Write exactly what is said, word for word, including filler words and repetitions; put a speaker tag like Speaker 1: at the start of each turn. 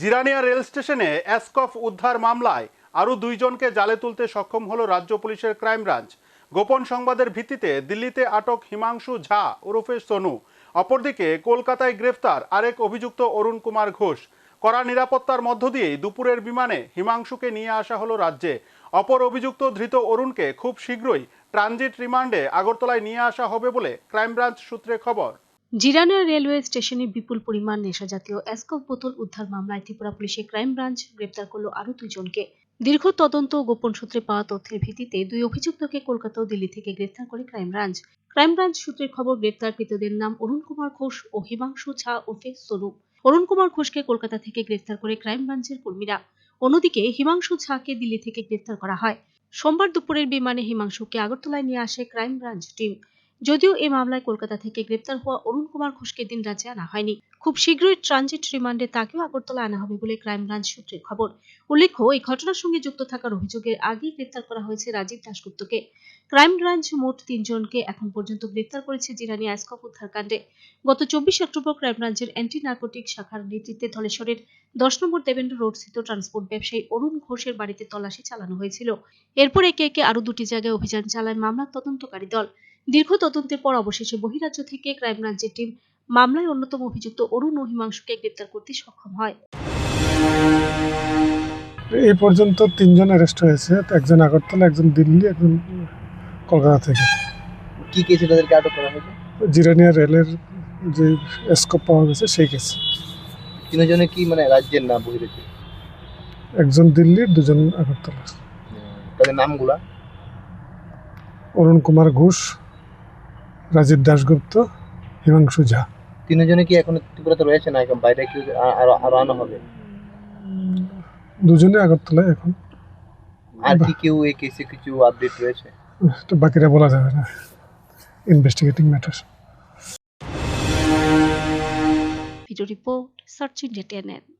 Speaker 1: Jirania rail স্টেশনে এসকফ উদ্ধার মামলায় আরও দুইজনকে জালে তুলতে সক্ষম হলো রাজ্য পুলিশের ক্রাইম ব্রাঞ্চ। গোপন সংবাদের ভিত্তিতে দিল্লিতে আটক হিমাংশু ঝা ওরফে সোনু। অপরদিকে কলকাতায় গ্রেফতার আরেক অভিযুক্ত অরুণ কুমার ঘোষ। কড়া নিরাপত্তার মধ্য দিয়েই দুপুরের বিমানে হিমাংশুকে নিয়ে আসা হলো রাজ্যে। অপর অভিযুক্ত ধৃত অরুণকে খুব শীঘ্রই ট্রানজিট রিমান্ডে আগরতলায় নিয়ে আসা হবে বলে ক্রাইম ব্রাঞ্চ সূত্রে খবর।
Speaker 2: জিরানিয়া রেলওয়ে স্টেশনে বিপুল পরিমাণ নেশাজাতীয় এসকফ বোতল উদ্ধার মামলায় ত্রিপুরা পুলিশের ক্রাইম ব্রাঞ্চ গ্রেপ্তার করল আরও দুইজনকে। দীর্ঘ তদন্ত ও গোপন সূত্রে পাওয়া তথ্যের ভিত্তিতে দুই অভিযুক্তকে কলকাতা ও দিল্লি থেকে গ্রেফতার করে ক্রাইম ব্রাঞ্চ। ক্রাইম ব্রাঞ্চ সূত্রের খবর, গ্রেপ্তারকৃতদের নাম অরুণ কুমার ঘোষ ও হিমাংশু ঝা ওরফে সোনু। অরুণ কুমার ঘোষকে কলকাতা থেকে গ্রেফতার করে ক্রাইম ব্রাঞ্চের কর্মীরা। অন্যদিকে হিমাংশু ঝাকে দিল্লি থেকে গ্রেফতার করা হয়। সোমবার দুপুরের বিমানে হিমাংশুকে আগরতলায় নিয়ে আসে ক্রাইম ব্রাঞ্চ টিম। যদিও এই মামলায় কলকাতা থেকে গ্রেপ্তার হওয়া অরুণ কুমার ঘোষকে দিন রাজ্যে আনা হয়নি। খুব শীঘ্রই ট্রানজিট রিমান্ডে তাকেও আগরতলা আনা হবে বলে ক্রাইম ব্রাঞ্চ সূত্রের খবর। উল্লেখ্য, এই ঘটনার সঙ্গে যুক্ত থাকার অভিযোগে আগেই গ্রেপ্তার করা হয়েছে রাজীব দাশগুপ্তকে। ক্রাইম ব্রাঞ্চ মোট তিনজনকে এখন পর্যন্ত গ্রেপ্তার করেছে জিরানিয়া এসকফ উদ্ধার কাণ্ডে। গত চব্বিশে অক্টোবর ক্রাইম ব্রাঞ্চের অ্যান্টি নার্কোটিক শাখার নেতৃত্বে ধলেশ্বরের দশ নম্বর দেবেন্দ্র রোড স্থিত ট্রান্সপোর্ট ব্যবসায়ী অরুণ ঘোষের বাড়িতে তল্লাশি চালানো হয়েছিল। এরপর একে একে আরও দুটি জায়গায় অভিযান চালায় মামলার তদন্তকারী দল। দীর্ঘ তদন্তের পর অবশেষে বহিরাজ্য থেকে ক্রাইম ব্রাঞ্চের টিম মামলায় অন্যতম অভিযুক্ত অরুণ ও হিমাংশুকে গ্রেপ্তার করতে সক্ষম হয়।
Speaker 3: এই পর্যন্ত তিনজন অ্যারেস্ট হয়েছে, একজন আগরতলা, একজন দিল্লি, একজন কলকাতা থেকে।
Speaker 4: কি কেসে তাদেরকে আটক করা হয়েছে?
Speaker 3: জিরানিয়া রেলের যে এসকপ পাওয়া গেছে সেই কেস।
Speaker 4: তিনজনে কি মানে রাজ্যের না বহিরাজ্য?
Speaker 3: একজন দিল্লির, দুজন আগরতলার।
Speaker 4: তাদের নামগুলা?
Speaker 3: অরুণ কুমার ঘোষ, রাজীব দাশগুপ্ত, হিমাংশু ঝা।
Speaker 4: তিনজনে কি এখন ত্রিপুরাতে রয়েছে না এখন বাইরে কি আরো আরো আনা হবে?
Speaker 3: দুজনে আগরতলায় এখন।
Speaker 4: আর কি কেউ এই কেসে কিছু আপডেট রয়েছে?
Speaker 3: তো বাকিটা বলা যাবে না, investigating matter.
Speaker 2: Video report, search India TNN.